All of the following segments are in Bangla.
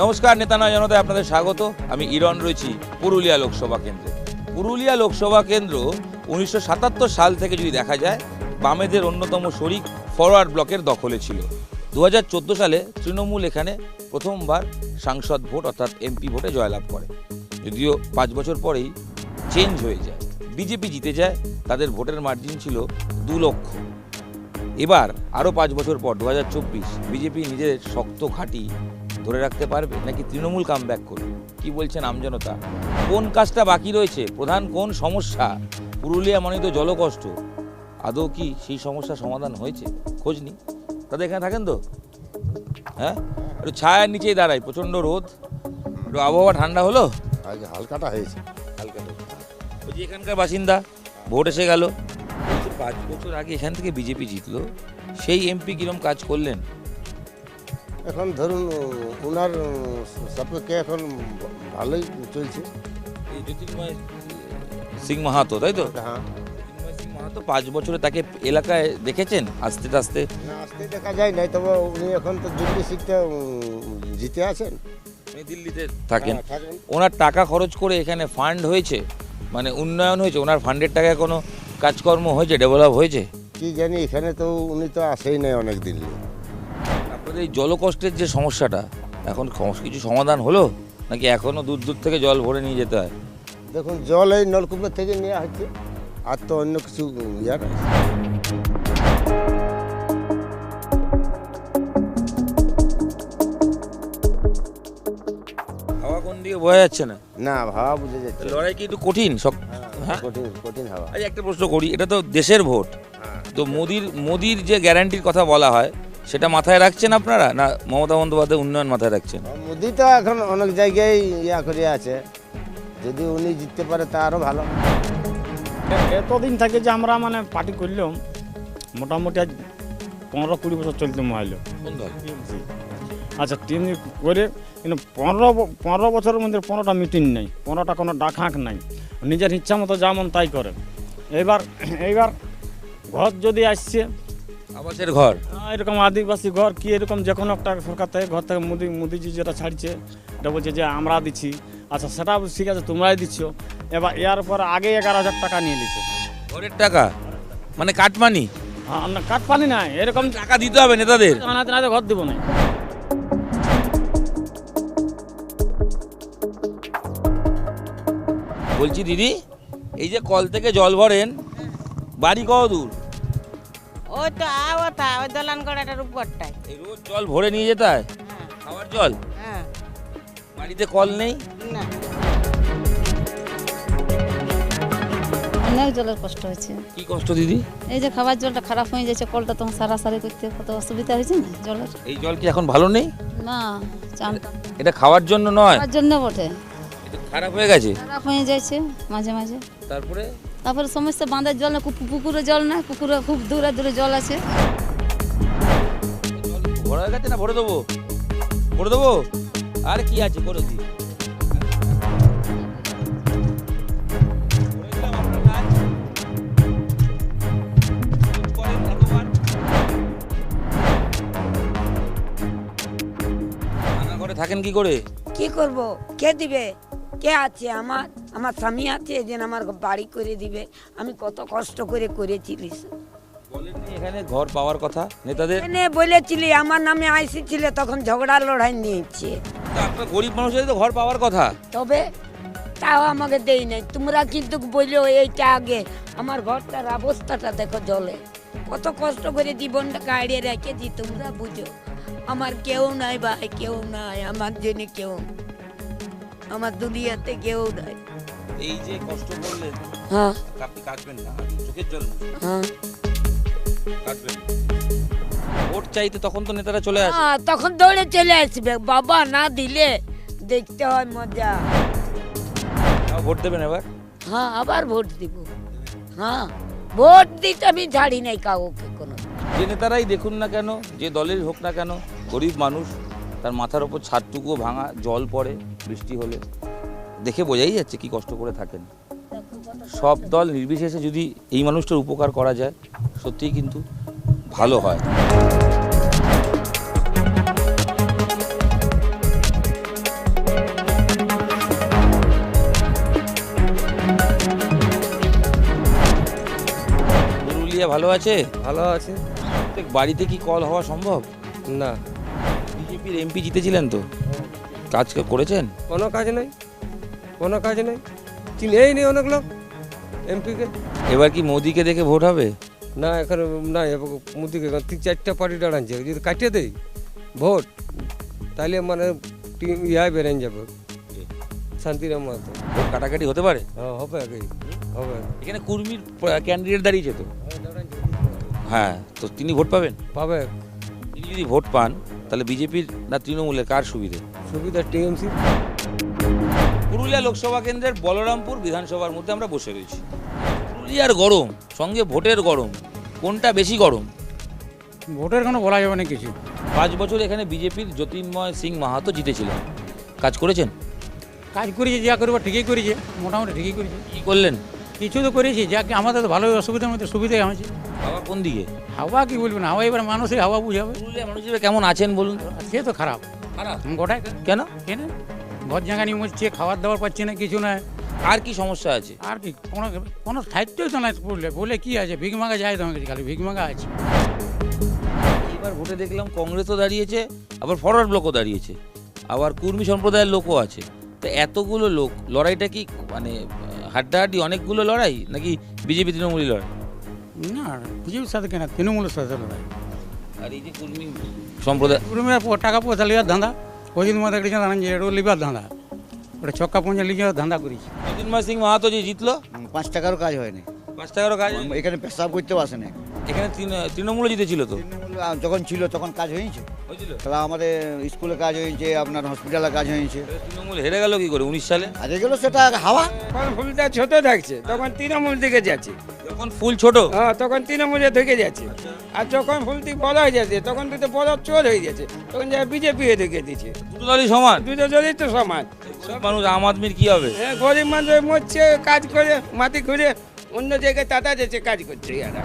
নমস্কার, নেতা নয় জনতায় আপনাদের স্বাগত। আমি ইরন রয়েছি পুরুলিয়া লোকসভা কেন্দ্রে। পুরুলিয়া লোকসভা কেন্দ্র 1977 সাল থেকে যদি দেখা যায় বামেদের অন্যতম শরিক ফরওয়ার্ড ব্লকের দখলে ছিল। 2014 সালে তৃণমূল এখানে প্রথমবার সাংসদ ভোট অর্থাৎ এমপি ভোটে জয়লাভ করে। যদিও 5 বছর পরেই চেঞ্জ হয়ে যায়, বিজেপি জিতে যায়। তাদের ভোটের মার্জিন ছিল 2 লক্ষ। এবার আরও 5 বছর পর 2024 বিজেপি নিজের শক্ত ঘাঁটি ধরে রাখতে পারবে নাকি তৃণমূল কামব্যাক করবে? কি বলছেন আমজনতা? কোন কাজটা বাকি রয়েছে? প্রধান কোন সমস্যা? পুরুলিয়া মানে তো জলকষ্ট। আদৌ কি সেই সমস্যার সমাধান হয়েছে? খোঁজ নি। তাদের এখানে থাকেন তো? হ্যাঁ, একটু ছায়ার নিচেই দাঁড়াই, প্রচণ্ড রোদ, একটু আবহাওয়া ঠান্ডা হলো, হালকাটা হয়েছে। ওই যে এখানকার বাসিন্দা, ভোট এসে গেল। 5 বছর আগে এখান থেকে বিজেপি জিতলো, সেই এমপি কিরম কাজ করলেন? এখন ধরুন ওনার সাপেক্ষে এখন ভালোই চলছে। এই জ্যোতির্ময় সিং মাহাতো, তাই তো? হ্যাঁ, জ্যোতির্ময় সিং মাহাতো 5 বছরে তাকে এলাকায় দেখেছেন আস্তে আস্তে? না আসতে দেখা যায় নাই, তবে উনি এখন তো দিল্লি সিটটা জিতে আছেন, উনি দিল্লিতে থাকেন। হ্যাঁ, থাকেন। ওনার টাকা খরচ করে এখানে ফান্ড হয়েছে, মানে উন্নয়ন হয়েছে? ওনার ফান্ডের টাকায় কোনো কাজকর্ম হয়েছে, ডেভেলপ হয়েছে? কি জানি, এখানে তো উনি তো আসেই নাই অনেক দিন। আপনাদের এই জলকষ্টের যে সমস্যাটা, এখন কিছু সমাধান হলো নাকি এখনও দূর দূর থেকে জল ভরে নিয়ে যেতে হয়? দেখুন, জল এই নলকূপের থেকে নেওয়া হচ্ছে, আর তো অন্য কিছু ইয়ার হাওয়া কোন দিকে বোঝা যাচ্ছে না। না, হাওয়া বুঝে যাচ্ছে। লড়াই কি একটু কঠিন সব? হ্যাঁ, কঠিন কঠিন হাওয়া। আচ্ছা, একটা প্রশ্ন করি, এটা তো দেশের ভোট, তো মোদির যে গ্যারান্টির কথা বলা হয় সেটা মাথায় রাখছেন আপনারা, না মমতা বন্দ্যোপাধ্যায় উন্নয়ন মাথায় রাখছেন? মোদি তো এখন অনেক জায়গায় ইয়া করে আছে, যদি উনি জিততে পারে তা আরও ভালো। এতদিন থেকে যে আমরা মানে পার্টি করলাম, মোটামুটি আজ 15-20 বছর চলতে মাইল। কোন দল? আচ্ছা, টিম করে কিন্তু 15 বছরের মধ্যে 15টা মিটিং নেই, 15টা কোনো ডাকহাঁক নাই, নিজের ইচ্ছা মতো যেমন তাই করে। এইবার ঘর যদি আসছে আবাসের ঘর, এরকম আদিবাসী ঘর কি এরকম যে কোনো একটা সরকার থেকে ঘর থেকে মোদিজি যেটা ছাড়ছে, এটা বলছে যে আমরা দিচ্ছি। আচ্ছা, সেটা ঠিক আছে, তোমরাই দিচ্ছ। এবার এর পর আগে 11,000 টাকা নিয়ে নিচ্ছে, ঘরের টাকা, মানে কাটমানি। কাঠ পানি নাই, এরকম টাকা দিতে হবে নেতাদের। না ঘর দিব না। বলছি দিদি, এই যে কল থেকে জল ভরেন, বাড়ি কত দূর? ওই তো ওই দলান গড়াটার উপরটায়। এই রোজ জল ভরে নিয়ে যেতে হয়, হ্যাঁ, খাওয়ার জল? হ্যাঁ, বাড়িতে কল নেই? না। অনেক জলের কষ্ট হয়েছে। কি কষ্ট দিদি? এই যে খাবার জলটা খারাপ হয়ে যাচ্ছে, কলটা তখন সারাসারি করতে কত অসুবিধা হয়েছে না জলের। এই জল কি এখন ভালো নেই? না, চানটা এটা খাওয়ার জন্য নয়, খাওয়ার জন্য বটে, এটা খারাপ হয়ে গেছে। খারাপ হয়ে যাচ্ছে মাঝে মাঝে। তারপরে তারপরে সমস্যা, বাঁধের জল না, পুকুরে জল না, পুকুরে খুব দূরে দূরে জল আছে। জল ভরা হয়ে গেছে না? ভরে দেবো, ভরে দেবো, আর কি আছে করে দিই। থাকেন কি করে? কি করব? কে দিবে? কে আছে? আমার স্বামী আছে যে আমার বাড়ি করে দিবে। আমি কত কষ্ট করে করেছিলিস। বলেননি এখানে ঘর পাওয়ার কথা নেতাদের? এনে বলেছিলি, আমার নামে আইসি ছিল, তখন ঝগড়া লড়াই নিয়েছে। তো আপনার গরিব মানুষের তো ঘর পাওয়ার কথা। তবে তাও আমাকে দেই নাই। তোমরা কিন্তু বললো এইটা আগে, আমার ঘরটার অবস্থাটা দেখো, জলে কত কষ্ট করে জীবনটা কাড়িয়ে রেখেছি, তোমরা বুঝো। আমার কেউ নাই ভাই, কেউ নাই আমার জন্য, কেউ আমার দুনিয়াতে কেউ নাই। এই যে কষ্ট করলেন, হ্যাঁ, আপনি কাটবেন না, চোখের জল হ্যাঁ, কাটবেন। ভোট চাইতে তখন তো নেতারা চলে আসে। হ্যাঁ, তখন দৌড়ে চলে আসবে। বাবা না দিলে দেখতে হয় মজা। ভোট দেবেন এবার? হ্যাঁ, আবার ভোট দিব। হ্যাঁ, ভোট দিতে আমি ছাড়ি নাই কাউকে কোনো। যে নেতারাই দেখুন না কেন, যে দলের হোক না কেন, গরিব মানুষ, তার মাথার ওপর ছাদটুকুও ভাঙা, জল পড়ে বৃষ্টি হলে, দেখে বোঝাই যাচ্ছে কি কষ্ট করে থাকেন। সব দল নির্বিশেষে যদি এই মানুষটার উপকার করা যায়, সত্যিই কিন্তু ভালো হয়। পুরুলিয়া ভালো আছে? ভালো আছে। প্রত্যেক বাড়িতে কি কল হওয়া সম্ভব? না, বিজেপির এমপি জিতেছিলেন তো, কাজ করেছেন? কোনো কাজ নেই, কোনো কাজ নেই, চিনেই নেই অনেক লোক এমপিকে। এবার কি মোদিকে দেখে ভোট হবে? না, এখন না, মোদিকে 3-4টা পার্টি দাঁড়াচ্ছে, যদি কাটিয়ে দেয় ভোট তাহলে মানে ইহা বেরেন যাবে শান্তিরাম মাহাতো। ভোট কাটাকাটি হতে পারে? হ্যাঁ, হবে আগেই হবে। এখানে কুর্মীর ক্যান্ডিডেট দাঁড়িয়েছে তো, হ্যাঁ, তো তিনি ভোট পাবেন? পাবে। তিনি যদি ভোট পান তাহলে বিজেপির না তৃণমূলের কার সুবিধে? সুবিধা টিএমসি। পুরুলিয়া লোকসভা কেন্দ্রের বলরামপুর বিধানসভার মধ্যে আমরা বসে রয়েছি। পুরুলিয়ার গরম সঙ্গে ভোটের গরম, কোনটা বেশি গরম? ভোটের কোনো বলা যাবে না কিছু। 5 বছর এখানে বিজেপির জ্যোতির্ময় সিং মাহাতো জিতেছিলেন, কাজ করেছেন? কাজ করেছি, যা করবো ঠিকই করেছে, মোটামুটি ঠিকই করেছে। কি করলেন? কিছু তো করেছি, যা কি আমাদের তো ভালোই অসুবিধার মধ্যে সুবিধাই হয়েছে। বাবা কোন দিকে? হাওয়া কি বলবেন, হাওয়া এবার মানুষই হাওয়া বুঝাবে। পুরুলিয়া মানুষ হিসেবে কেমন আছেন বলুন তো? সে তো খারাপ খারাপ গোটাই। কেন? কেন ঘর জায়গানি মরছে, খাবার দাবার পাচ্ছে না, কিছু না। আর কি সমস্যা আছে? আর কি কোনো কোনো সাহিত্যই তো নাই পড়লে বলে কি আছে, ভিক মাঙ্গা যায় তোমাকে, খালি ভিক মাঙ্গা আছে। এবার ভোটে দেখলাম কংগ্রেসও দাঁড়িয়েছে, আবার ফরওয়ার্ড ব্লকও দাঁড়িয়েছে, আবার কুর্মী সম্প্রদায়ের লোকও আছে। তো এতগুলো লোক লড়াইটা কি মানে হাড্ডাহাড্ডি অনেকগুলো লড়াই, নাকি বিজেপি তৃণমূলী লড়াই? না, বিজেপির সাথে কেন, তৃণমূলের সাথে লড়াই। আর এই যে কুর্মী সম্প্রদায়, কুড়ুমের টাকা পয়সা লিবার ধান্দা, ওই দিন মধ্যে একটা জানান যে এটা লিবার ধান্দা, ওটা ছক্কা পঞ্জা লিখে ধান্দা করেছি। জ্যোতির্ময় সিং মাহাতো যে জিতলো, 5 টাকারও কাজ হয়নি। 5 টাকারও কাজ। এখানে পেশাব করতেও আসে না। এখানে তৃণমূলে জিতেছিল তো, তৃণমূল যখন ছিল তখন কাজ হয়েছে, হয়েছিল। তাহলে আমাদের স্কুলে কাজ হয়েছে, আপনার হসপিটালে কাজ হয়েছে। তৃণমূল হেরে গেল কি করে 19 সালে? আর এগুলো সেটা হাওয়া। যখন ফুলটা ছোট থাকছে তখন তৃণমূল দিকে যাচ্ছে, যখন ফুল ছোট, হ্যাঁ তখন তৃণমূলে ঢুকে যাচ্ছে। আর যখন ফুলটি বড় হয়ে যাচ্ছে তখন তো বড় চোর হয়ে যাচ্ছে, তখন যা বিজেপি ঢুকে দিচ্ছে। দুটো দলই সমান। দুটো দলই তো সমান। সব মানুষ আম আদমির কি হবে? হ্যাঁ, গরিব মানুষ মরছে কাজ করে, মাটি ঘুরে অন্য জায়গায় টাটা যাচ্ছে, কাজ করছে এরা।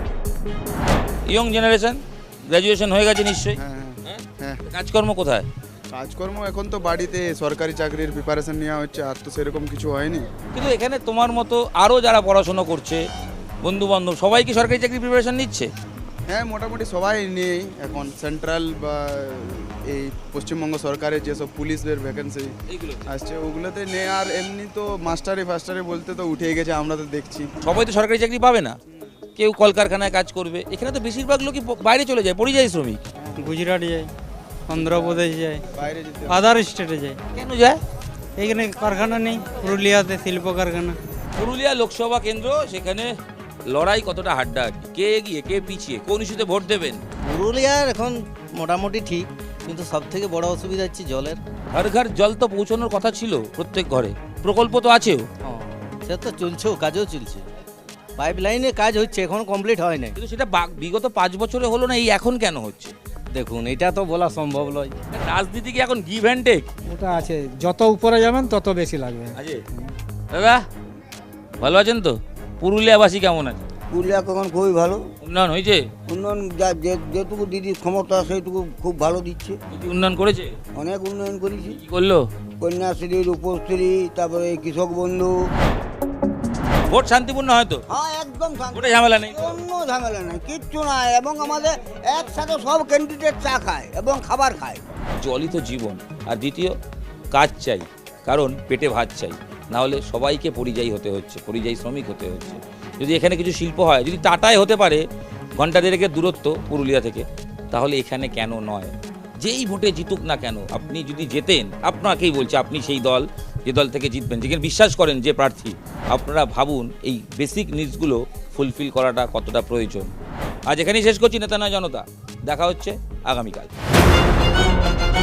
ইয়ং জেনারেশন গ্র্যাজুয়েশন হয়ে গেছে নিশ্চয়ই, হ্যাঁ। কাজকর্ম কোথায়? কাজকর্ম এখন তো বাড়িতে সরকারি চাকরির প্রিপারেশন নেওয়া হচ্ছে, আর তো সেরকম কিছু হয়নি। কিন্তু এখানে তোমার মতো আরও যারা পড়াশোনা করছে, বন্ধু বান্ধব সবাই কি সরকারি চাকরি প্রিপারেশন নিচ্ছে? হ্যাঁ, মোটামুটি সবাই নেই এখন। সেন্ট্রাল বা এই পশ্চিমবঙ্গ সরকারের যেসব পুলিশের ভ্যাকেন্সি এইগুলো আসছে ওগুলোতে নেই। আর এমনি তো মাস্টারি ফাস্টারি বলতে তো উঠে গেছে, আমরা তো দেখছি। সবাই তো সরকারি চাকরি পাবে না, কেউ কলকারখানায় কাজ করবে। এখানে তো বেশিরভাগ লোকই বাইরে চলে যায়, পরিযায়ী শ্রমিক। গুজরাট যায়, অন্ধ্রপ্রদেশ যায়, বাইরে যেতে আদার স্টেটে যায়। কেন যায়? এখানে কারখানা নেই, পুরুলিয়াতে শিল্প কারখানা। পুরুলিয়া লোকসভা কেন্দ্র, সেখানে লড়াই কতটা হাড্ডাহাড্ডি, কে এগিয়ে কে পিছিয়ে, কোন ইস্যুতে ভোট দেবেন? পুরুলিয়ার এখন মোটামুটি ঠিক, কিন্তু সব থেকে বড় অসুবিধা হচ্ছে জলের। ঘর ঘর জল তো পৌঁছানোর কথা ছিল প্রত্যেক ঘরে, প্রকল্প তো আছেও, সে তো চলছেও, কাজও চলছে, পাইপ লাইনে কাজ হচ্ছে, এখন কমপ্লিট হয় নাই। কিন্তু সেটা বিগত 5 বছরে হলো না, এই এখন কেন হচ্ছে? দেখুন, এটা তো বলা সম্ভব নয়। রাজনীতি কি এখন গিভ অ্যান্ড টেক? ওটা আছে, যত উপরে যাবেন তত বেশি লাগবে। আছে দাদা, ভালো আছেন তো? পুরুলিয়াবাসী কেমন আছে? পুরুলিয়া এখন খুবই ভালো উন্নয়ন হয়েছে? উন্নয়ন, যেটুকু দিদির ক্ষমতা সেইটুকু খুব ভালো দিচ্ছে। কি উন্নয়ন করেছে? অনেক উন্নয়ন করেছি। কি করলো? কন্যাশ্রী, রূপশ্রী, তারপরে কৃষক বন্ধু। ভোট শান্তিপূর্ণ হয়তো? হ্যাঁ, একদম ভোটে ঝামেলা নেই? কোনো ঝামেলা নাই, কিচ্ছু নাই। এবং আমাদের একসাথে সব ক্যান্ডিডেট চা খায় এবং খাবার খায়। জলই তো জীবন। আর দ্বিতীয়, কাজ চাই, কারণ পেটে ভাত চাই, না হলে সবাইকে পরিযায়ী হতে হচ্ছে, পরিযায়ী শ্রমিক হতে হচ্ছে। যদি এখানে কিছু শিল্প হয়, যদি টাটায় হতে পারে ঘন্টা দেড়েকের দূরত্ব পুরুলিয়া থেকে, তাহলে এখানে কেন নয়? যেই ভোটে জিতুক না কেন, আপনি যদি জেতেন, আপনাকেই বলছে, আপনি সেই দল যে দল থেকে জিতবেন, যেখানে বিশ্বাস করেন যে প্রার্থী, আপনারা ভাবুন এই বেসিক নিডসগুলো ফুলফিল করাটা কতটা প্রয়োজন। আজ এখানেই শেষ করছি নেতা নয় জনতা। দেখা হচ্ছে আগামীকাল।